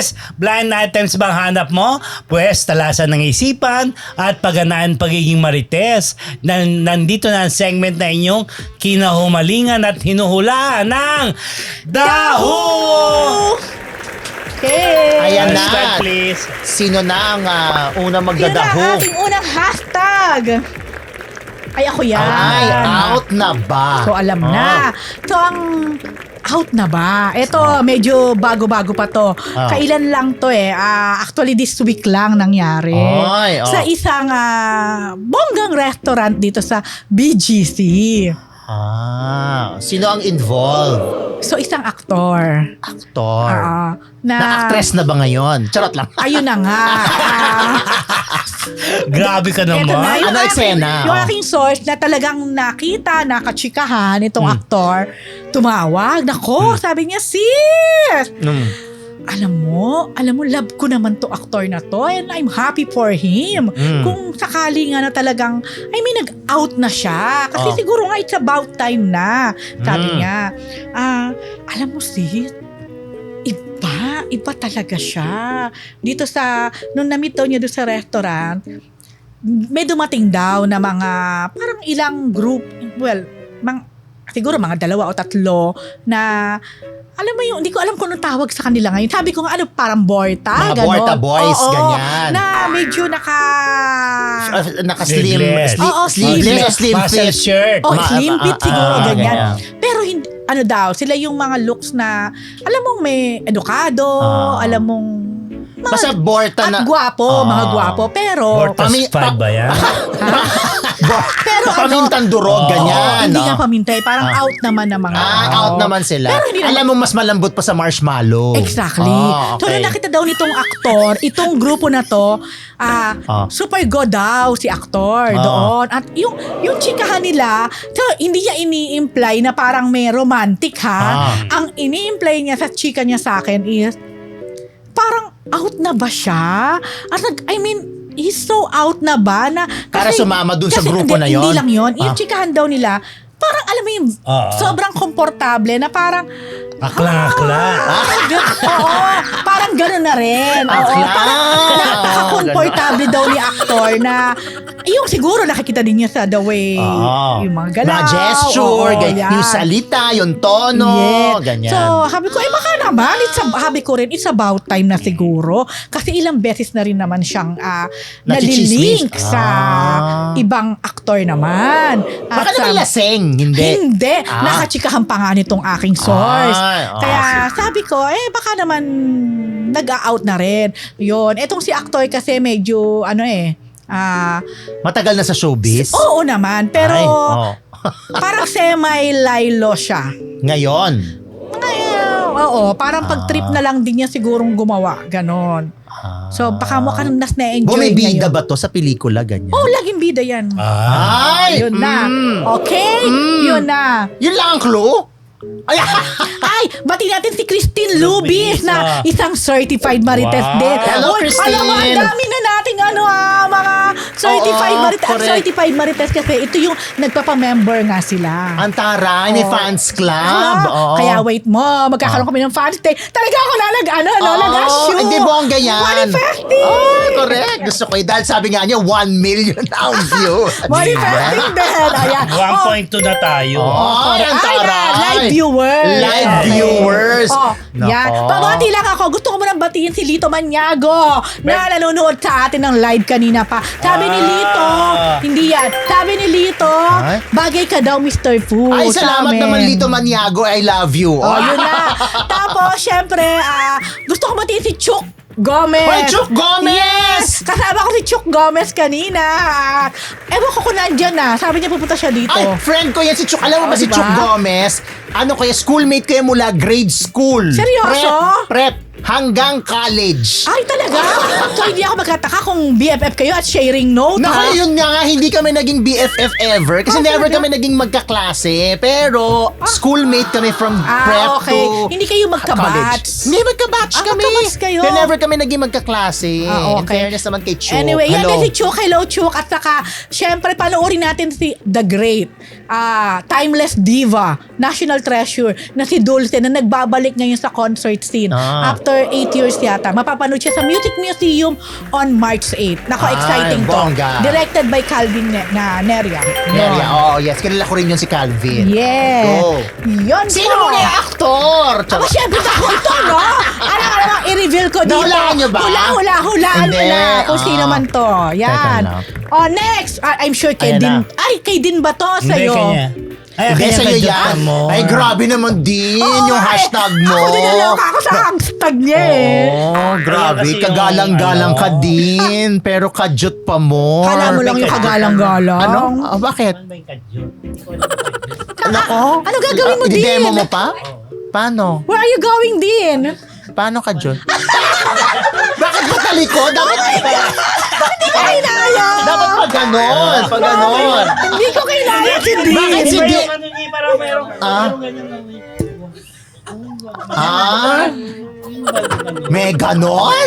Marites, blind items bang hanap mo? Pwes, talasan ng isipan at pagganaan pagiging Marites. Nandito na ang segment na inyong kinahumalingan at hinuhulaan ng Daho! Okay. Ayan na. Start, please. Sino na ang unang Yun ang magdadaho? ating unang hashtag. Ay, ako yan. Ay, out na ba? So, alam na. So, ang out na ba? Ito, medyo bago-bago pa to. Kailan lang to eh. Actually, this week lang nangyari. Ay, Sa isang bonggang restaurant dito sa BGC. Sino ang involved? So, isang aktor. Aktor. Na Na-actress na ba ngayon? Charot lang. Ayun na nga. Grabe ka naman. Eto na, Ano eksena? Yung aking source na talagang nakita, nakachikahan itong aktor, tumawag. Nako, sabi niya, sis! Alam mo, love ko naman to aktor na to and I'm happy for him. Kung sakali nga na talagang, nag-out na siya. Kasi siguro nga it's about time na. Sabi niya, alam mo sis, iba talaga siya. Dito nung na-meet daw niya doon sa restaurant, may dumating daw na mga, parang ilang group, siguro mga 2 o 3 na, alam mo yung, hindi ko alam kung anong tawag sa kanila ngayon. Sabi ko nga, parang Borta, Mga gano'n. Borta boys, ganyan. Na medyo Naka-slim. Sleeveless. Sleeveless o slim Muscle fit? shirt. Slim fit siguro, ganyan. ganyan. Pero hindi, sila yung mga looks na, alam mong may edukado, alam mong, Basta Borta na. at gwapo, mga gwapo. Pero, Bortas 5 ba yan? pero Pamintang durog, ganyan. hindi nga pamintay, parang out naman ng mga Out naman sila. Pero hindi naman- Alam mo, mas malambot pa sa marshmallow. Exactly. So, Okay. nung nakita daw nitong aktor, itong grupo na to, super go daw si aktor doon. At yung chikahan nila, so, hindi niya ini-imply na parang may romantic ha. Ang ini-imply niya sa chika niya sa akin is, parang out na ba siya? At he's so out na ba na Para sumama dun sa grupo na yon? Hindi lang yon. Yung chikahan daw nila, parang alam mo yung sobrang komportable na parang Akla-akla. Oo, parang gano'n na rin. Oo, Akla. parang napaka-comfortable daw ni aktor na yung siguro nakikita din niya sa the way yung mga galaw. Mga gesture, yan. yung salita, yung tono, ganyan. So, sabi ko, baka naman, sabi ko rin, it's about time na siguro. Kasi ilang beses na rin naman siyang nalilink sa ibang aktor naman. Baka naman laseng, hindi. Hindi. Nakachikahan pa nga nitong aking source. Kaya sabi ko, baka naman nag-out na rin. Yun. Etong si aktor kasi medyo, matagal na sa showbiz? Oo naman. Pero, parang semi-lilo siya. Ngayon? Oo. Parang pag-trip na lang din niya sigurong gumawa. Ganon. So, baka mo ka nas na-enjoy Bumibida ngayon. ba to sa pelikula, ganyan? Oo, laging bida yan. Ay! Yun na. Okay? Yun na. Yun lang ang clue? Ay, bati natin si Christine Lubis na isang certified Marites Wow. din. Hello, Uy, Christine. alam mo, ang dami na nating mga certified Marites. Ang correct. certified Marites kasi ito yung nagpapamember nga sila. Ang taray, may fans club. Oo. Kaya wait mo, magkakaroon kami ng fans day. Talaga ako nag-assure. Hindi bongga yan. Manifesting. Correct. Gusto ko yun. Dahil sabi nga niya, 1 million ang view. Manifesting din. Ayan. 1.2 na tayo. Ang taray. Live viewers. Live viewers. Yan. Pabati lang ako. Gusto ko munang batiin si Lito Maniago na nanonood sa atin ng live kanina pa. Sabi ni Lito, hindi yan. Sabi ni Lito, bagay ka daw Mr. Fu. Ay, salamat naman Lito Maniago. I love you. Yun na. Tapos, syempre, gusto ko batiin si Chuk Gomez. Hoy, Chuk Gomez! Yes! Kasama ko si Chuk Gomez kanina. Ewan ko kung nandyan na. Sabi niya pupunta siya dito. Ay, friend ko yan si Chuk. Alam mo ba si diba? Chuk Gomez? Ano kaya, schoolmate ko yan mula grade school. Seryoso? Prep. Hanggang college. Ay, talaga? So, hindi ako magkataka kung BFF kayo at sharing note, ha? Naku, yun nga, hindi kami naging BFF ever. Kasi never talaga? kami naging magkaklase. Pero, schoolmate kami from prep okay. to Hindi kayo magka-batch? college. Hindi, magka-batch kami. magka-batch kayo? Pero never kami naging magkaklase. Okay. In fairness naman kay Chuk. Anyway, yan Hello. din si Chuk. Hello, Chuk. At saka, syempre, panoorin natin si The Great, timeless diva, national treasure, na si Dulce, na nagbabalik ngayon sa concert scene. After after 8 years yata, mapapanood siya sa Music Museum on March 8. Nako, exciting to. bongga. Directed by Calvin Neria. Neria, yes. Kilala ko rin yun si Calvin. Yes. Go. Yun Sino po. mo yung aktor? Ako syempre ako ito, no? Alam, i-reveal ko dito. Nahulaan niyo ba? Hulaan mo Hindi. na kung sino man to. Yan. Teka Oh, next. I'm sure kay Ayan Din. na. Ay, kay Din ba to Hindi, sa'yo? kanya. Ay, Hindi, kanya sa'yo ka yan. mo. Ay, grabe naman din yung hashtag mo. Ako dinaloka ako sa hashtag niya eh. Oh, grabe. Ayan kasi Kagalang-galang yung, ka din. Pero kadyot pa mo. Kala mo lang yung kagalang-galang. Ano? Bakit? Ano ba yung kadyot? Nako. Ano gagawin mo din? I-demo mo pa? Paano? Where are you going din? Paano kadyot? Bakit ba talikod? Dapat Ay, naya! dapat pa ganon. Pa ganon. Hindi ko kailangan si Din. Bakit si Iba Di? yung ano niya, parang merong ganyan lang. Ah? May ganon?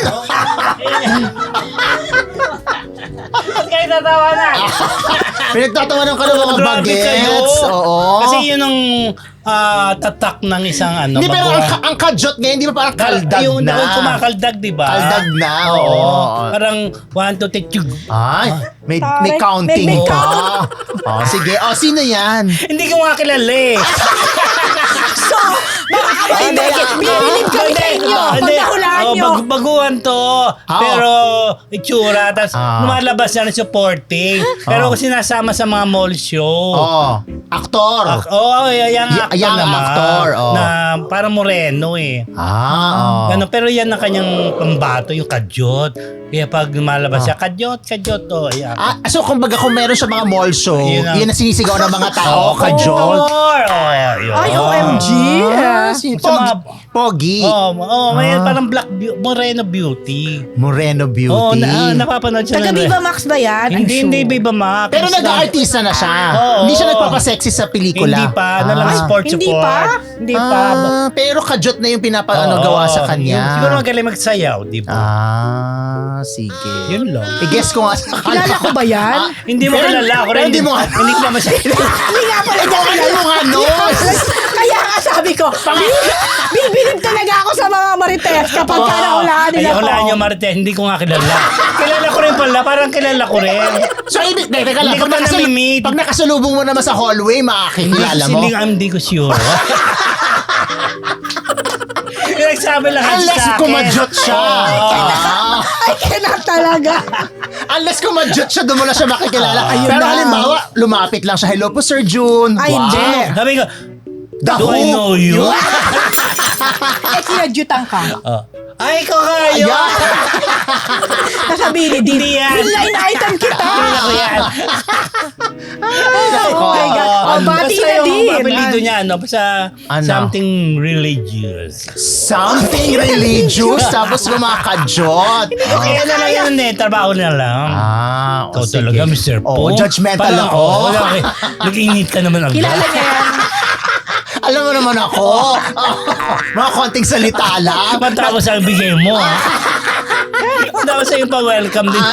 Ba't kayo tatawa na? Pinagtatawanan ka ng mga Grabe kayo. bagets. Oo. Kasi yun ang tatak ng isang ano. Hindi, pero baguha. ang kadyot ngayon, di ba parang kaldag yung na? Yung kumakaldag, di ba? Kaldag na, Oo. oo. Parang 1, 2, 3, tiyug. Ay, may Tare, counting may pa. count. Oh, sige. Oh, sino yan? Hindi ko nga kilala eh. So, binibilib kami sa inyo pag nahulaan nyo. Baguhan to. Pero itsura. Tapos lumalabas yan supporting. Pero sinasama sa mga mall show. Oh, aktor. Yung actor Young naman. actor, oh. Na parang moreno eh. Oh. Ganun, pero yan ang kanyang pambato, yung kadyot. Kaya pag lumalabas siya, kadyot, oh. Yeah. So, kumbaga kung meron sa mga mall show, Yun ang- yun ang sinisigaw ng mga tao, kadyot. Yun. Ay, OMG. Sa mga- Pogi. May parang moreno beauty. Moreno Beauty. Napapanood siya Taga ng- Viva Max ba yan? I'm Hindi, sure. hindi, Viva Max. Pero nag-aartista na siya. Oo. Hindi siya nagpapasexy sa pelikula. Hindi pa, lang Ay, sport hindi support. pa? Hindi pa. Pero kadyot na yung Oo. gawa sa kanya. Siguro magaling magsayaw, di ba? Sige. Yun lang. I-guess ko nga sa Kilala ko ba yan? Hindi mo Pero- kilala ako pero rin. hindi mo nga- Hindi ko naman siya kilala. Hindi nga pala niya Ano kilala. mo nga nun? Kaya nga sabi ko, bibilib talaga ako sa mga marites kapag ka nahulaan nila Ay, ko. hulaan niyo, Marite. Hindi ko nga kilala. Kilala ko rin pala. Parang kilala ko rin. So, teka lang. Hindi ko pa nami-meet. Pag nakasalubong mo naman sa hallway, makakilala mo. Hindi ko sure. Yung nagsabi lang Unless sa akin. kumadyot siya. Ay, cannot talaga. Unless kumadyot siya, doon mo na siya makikilala. Ayun Pero na. halimbawa, lumapit lang siya. Hello po, Sir June. Ay, hindi. Sabi ko, The do I Who? know you? Eh, sinadyutan ka. Ay, ko kayo. Ayan. Nasabihin ni Din, Hindi yan. line item kita. Kilala ko yan. Oh my God. Oh, bati Basta na yung din. apelido niya, basta Ano? something religious. Something religious, tapos kumakadyot. Kaya na lang yun eh, trabaho na lang. Ikaw talaga, Mr. Po. Judgmental Parang, ako. nag-init ka naman agad. Kilala niya yan. Alam mo naman ako. Mga konting salita lang. Matapos ang bigay mo, ha? Matapos yung pa-welcome din.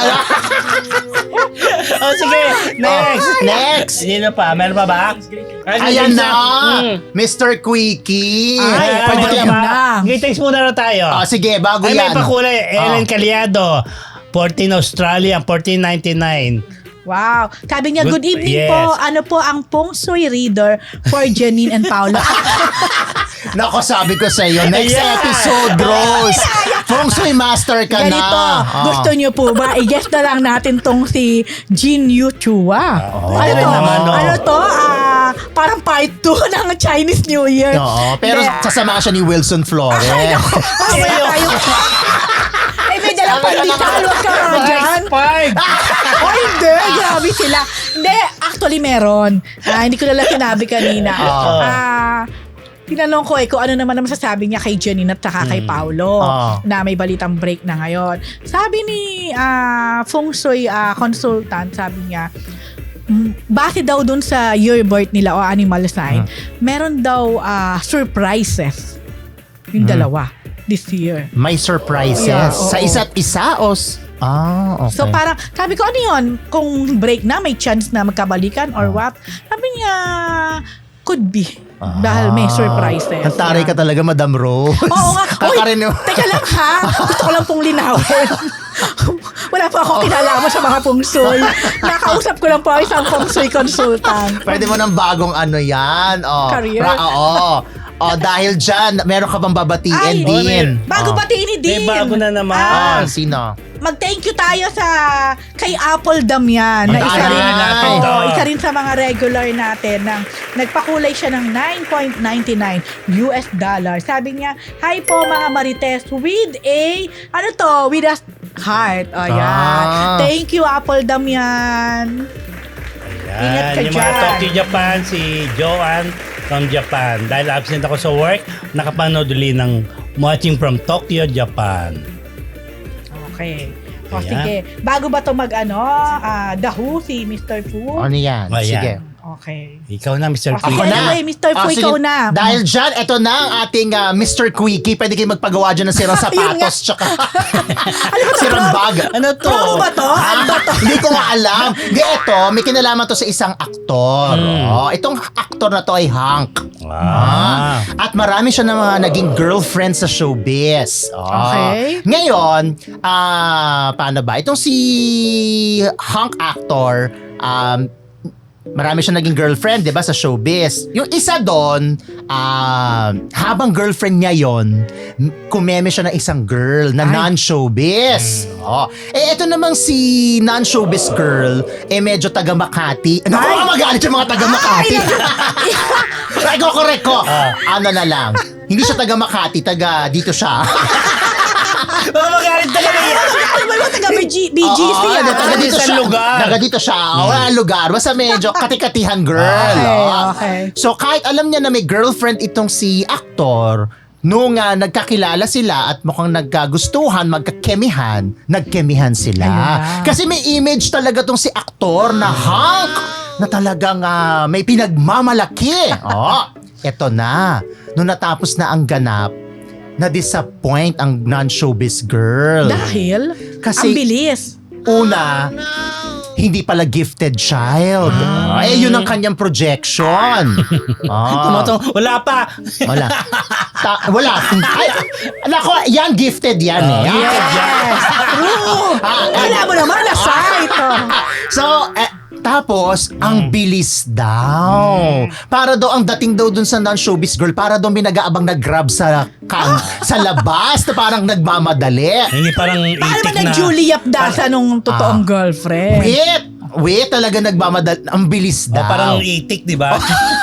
Sige, next. Next. Sino pa? Meron pa ba? Ayan na. Mr. Quickie. Ay, Pwede ayun kayo. na. Greetings muna na tayo. Sige, bago Ay, may yan. pakulay. Ellen Caliado. 14 Australia, 14.99. Wow. Sabi niya, good evening Yes. po. Ano po ang feng shui reader for Janine and Paolo? Nako, sabi ko sa iyo, next Ayan. episode, Rose. Feng Shui Master ka Ganito, na. gusto niyo po ba? I-guess na lang natin tong si Jin Yu Chua. Pwede rin naman, no? Ano to? Parang part 2 ng Chinese New Year. Oo, pero Hindi. sasama siya ni Wilson Flores. Mamaya tayo. Ay, may dalang pandesal. Huwag ka nga dyan. Oh, hindi. Grabe sila. Hindi, actually meron. Hindi ko lang sinabi kanina. Tinanong ko kung ano naman ang masasabi niya kay Janine at saka kay Paolo na may balitang break na ngayon. Sabi ni Feng Shui consultant, sabi niya, base daw dun sa year birth nila o animal sign, meron daw surprises yung dalawa this year. May surprises. Yeah, Sa oo. isa't isa o... okay. So parang, sabi ko, ano yun? Kung break na, may chance na magkabalikan or what? Sabi niya, Could be. Dahil may surprises. Ang taray ka talaga, Madam Rose. Oo nga. Uy, Kakarin mo. teka lang ha. Gusto ko lang pong linawin. Wala pa ako kinalaman sa mga feng shui. Nakausap ko lang po isang feng shui consultant. Pwede mo ng bagong ano yan. Oh, Career? Oo. Dahil dyan, meron ka bang babatiin Ay, din? Bago batiin ni Dean. May bago na naman. Sino? Mag-thank you tayo sa kay Apple Damian na isa rin, natin to. isa rin sa mga regular natin ng nagpakulay siya ng $9.99 US dollar. Sabi niya, "Hi po mga Marites with a with a heart." Oh, yan. Thank you Apple Damian. Ingat ka Yan, yung mga dyan. Tokyo Japan, si Joanne from Japan. Dahil absent ako sa work, nakapanood ulit ng Watching from Tokyo, Japan. Okay. O Ayan. sige, bago ba to The Who, si Mr. Fu? Ano yan? Ayan. Sige. Okay. Ikaw na, Mr. O sige, Quick. Ako na. anyway, Mr. Fu, Sige, ikaw na. Dahil dyan, eto na ang ating Mr. Quickie. Pwede kayo magpagawa dyan ng sirang Ayun nga. sapatos tsaka Ano ba to, sirang Rob? bag. Ano to? Promo ba to? Ano ba to? Hindi ko nga alam. Hindi, eto, may kinalaman to sa isang aktor. Itong aktor na to ay Hank. At marami siya ng mga naging girlfriend sa showbiz. Okay. Ngayon, paano ba? Itong si Hank actor, marami siya naging girlfriend, di ba, sa showbiz. Yung isa doon, habang girlfriend niya yon, kumeme siya ng isang girl na non-showbiz. Ito namang si non-showbiz girl, medyo taga Makati. Naku, magalit yung mga taga Makati. Ay, correct ko. Ano na lang. Hindi siya taga Makati, taga dito siya. Magalit talaga yan. Ano ba taga BGC? Taga dito Isang siya. lugar. Taga dito siya. Wala lugar. Basta medyo katikatihan girl. Okay. So kahit alam niya na may girlfriend itong si aktor, nung nagkakilala sila at mukhang nagkagustuhan, magkakemihan, nagkemihan sila. Ayun na. Kasi may image talaga tong si aktor na Hank na talagang may pinagmamalaki. Eto na. Nung natapos na ang ganap, na-disappoint ang non-showbiz girl. Dahil, Kasi- ang bilis. Una, hindi pala gifted child. Yun ang kanyang projection. Wala pa. Wala. Wala. Ay, nako, yan gifted yan eh. Yes. True. Wala mo naman na site. So, tapos, ang bilis daw. Para daw, ang dating daw dun sa non-showbiz girl, para daw may nag-aabang nag-grab sa labas na parang nagmamadali. Hindi parang Paano ba itik na. nag-Julie Yapdasa nung totoong girlfriend? Wait, talaga nagmamadali. Ang bilis daw. Parang itik, di ba?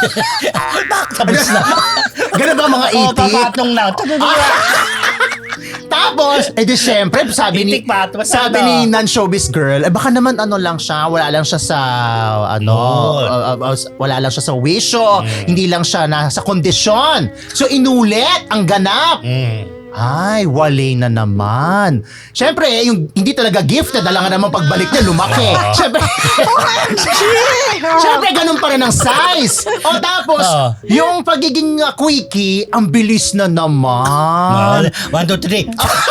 Tapos na. Ganun ba mga itik? Papatong na. Tapos, di syempre, sabi ni Itik pa, tapos sabi ano? ni non-showbiz girl, baka naman lang siya, wala lang siya sa wala lang siya sa wisyo, hindi lang siya nasa kondisyon. So inulit ang ganap. Ay, wali na naman. Siyempre, yung hindi talaga gifted, alangan naman pagbalik niya, lumaki. Siyempre, siyempre, ganun pa rin ang size. Tapos, yung pagiging quickie, ang bilis na naman. 1, 2, 3.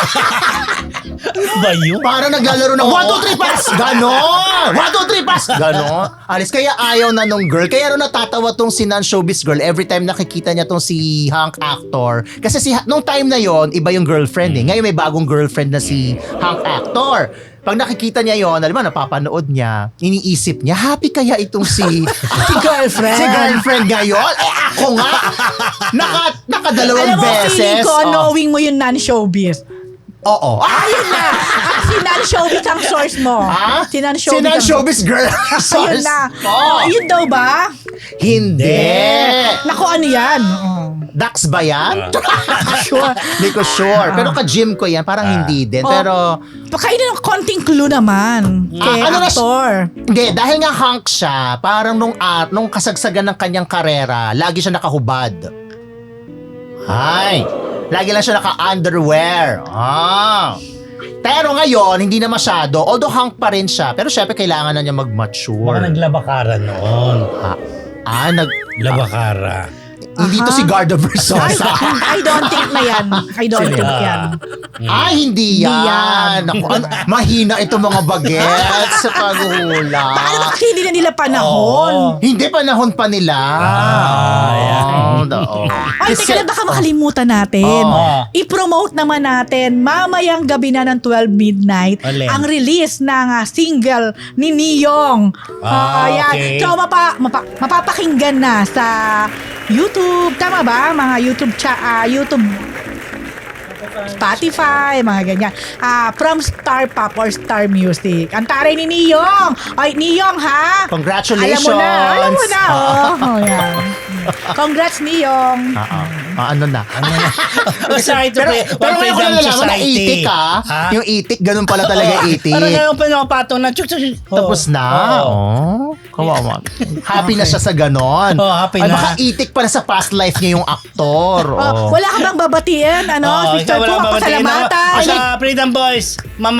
Ba yun? Para naglalaro ng 1, 2, 3, pass! Ganon! 1, 2, 3, pass! Ganon. Alis, kaya ayaw na nung girl. Kaya rin natatawa tong si non-showbiz girl every time nakikita niya tong si Hank actor. Kasi nung time na yon iba yung girlfriend eh. Ngayon may bagong girlfriend na si Hank actor. Pag nakikita niya yon, alam mo, napapanood niya, iniisip niya, happy kaya itong si girlfriend. Si girlfriend ngayon? Ako nga! Nakadalawang Alam mo, beses. feeling ko, knowing mo yung non-showbiz. Oo. Ayun na. Si non-showbiz ang source mo. Ha? Si non-showbiz. Si non-showbiz girl. Ayun na. Yun daw ba? Hindi. Naku, ano yan? Dax ba yan? Sure. Hindi ko sure. Pero ka-gym ko yan. Parang hindi din. Pero, Pakainin ng konting clue naman. Kay ano na- actor. hindi. Dahil nga Hank siya, parang nung kasagsagan ng kanyang karera, lagi siya nakahubad. Ay. Lagi lang siya naka-underwear. Pero ngayon, hindi na masyado. Although Hank pa rin siya. Pero syempre, kailangan na niya Baka mag-mature. naglabakara noon. Nag... Labakara. Hindi to si Gardo Versosa. I don't think na yan. I don't Sino think yan? yan. Hindi Hindi yan. yan. Naku, mahina itong mga bagets sa paghula. Paano kasi hindi na nila panahon? Hindi panahon pa nila. Ay, teka lang, baka makalimutan natin. I-promote naman natin mamayang gabi na ng 12 midnight Alin? ang release ng single ni Niyong. Ayan. Okay. So, mapapakinggan na sa YouTube. Tama ba? Mga YouTube YouTube Spotify, mga ganyan. From Star Pop or Star Music. Ang taray ni Niyong. Ay, Niyong ha? Congratulations. Alam mo na. Oh, yan. Congrats, Niyong. Ano na? Sorry to Pero, play. pero ngayon ko na nalaman na itik Yung itik, ganun pala talaga itik. Parang ngayon pa nakapatong na. Tapos na. Kawawa. Happy na siya sa ganon. Happy Ay, na. baka itik pa na sa past life niya yung aktor. Wala ka bang babatiin? Mr. Pong, pasalamatan. Sa Freedom Boys,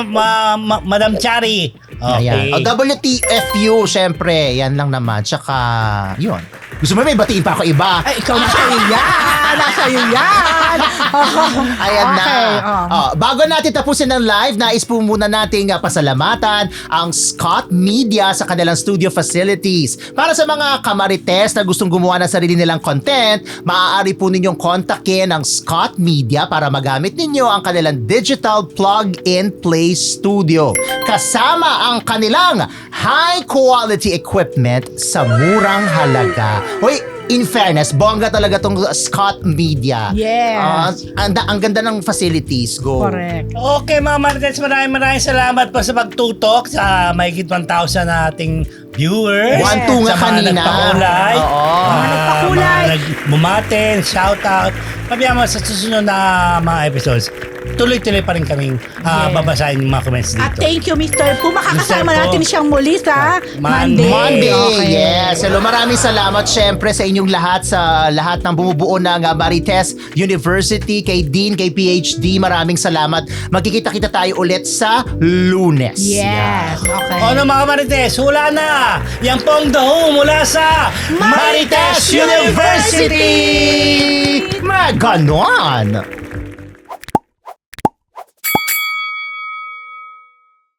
Madam Chari. Okay. Ayan. WTFU, syempre. Yan lang naman. Tsaka, yun. Gusto mo may batiin pa ako iba? Ay, ikaw na sa'yo yan. Nasa'yo yan. Ayan Okay, na. Bago natin tapusin ng live, nais po muna nating pasalamatan ang Scott Media sa kanilang studio facilities. Para sa mga kamarites na gustong gumawa ng sarili nilang content, maaari po ninyong kontakin ang Scott Media para magamit ninyo ang kanilang digital plug-and-play studio. Kasama ang kanilang high-quality equipment sa murang halaga. Hoy, in fairness, bongga talaga tong Scott Media. Yes. Ang ganda ng facilities. Go. Correct. Okay mga Marites, maraming salamat po sa pagtutok sa mahigit 1,000 nating viewers. Yes. 1-2 nga Sa mga kanina. nagpakulay. Oo. Mga nagpakulay. Mga bumatin, shoutout. Sabihan mo sa susunod na mga episodes, tuloy-tuloy pa rin kaming babasahin yung mga comments dito. At thank you, Mr. Pong. Makakasama Mr. Pong. natin siyang muli sa Monday. Monday. Okay. Yes. Hello, maraming salamat syempre sa inyong lahat, sa lahat ng bumubuo ng Marites University, kay Dean, kay PhD. Maraming salamat. Magkikita-kita tayo ulit sa Lunes. Yes. Okay. Ano mga Marites, hula na! Yan pong The Who mula sa Marites Marites University! Maganon!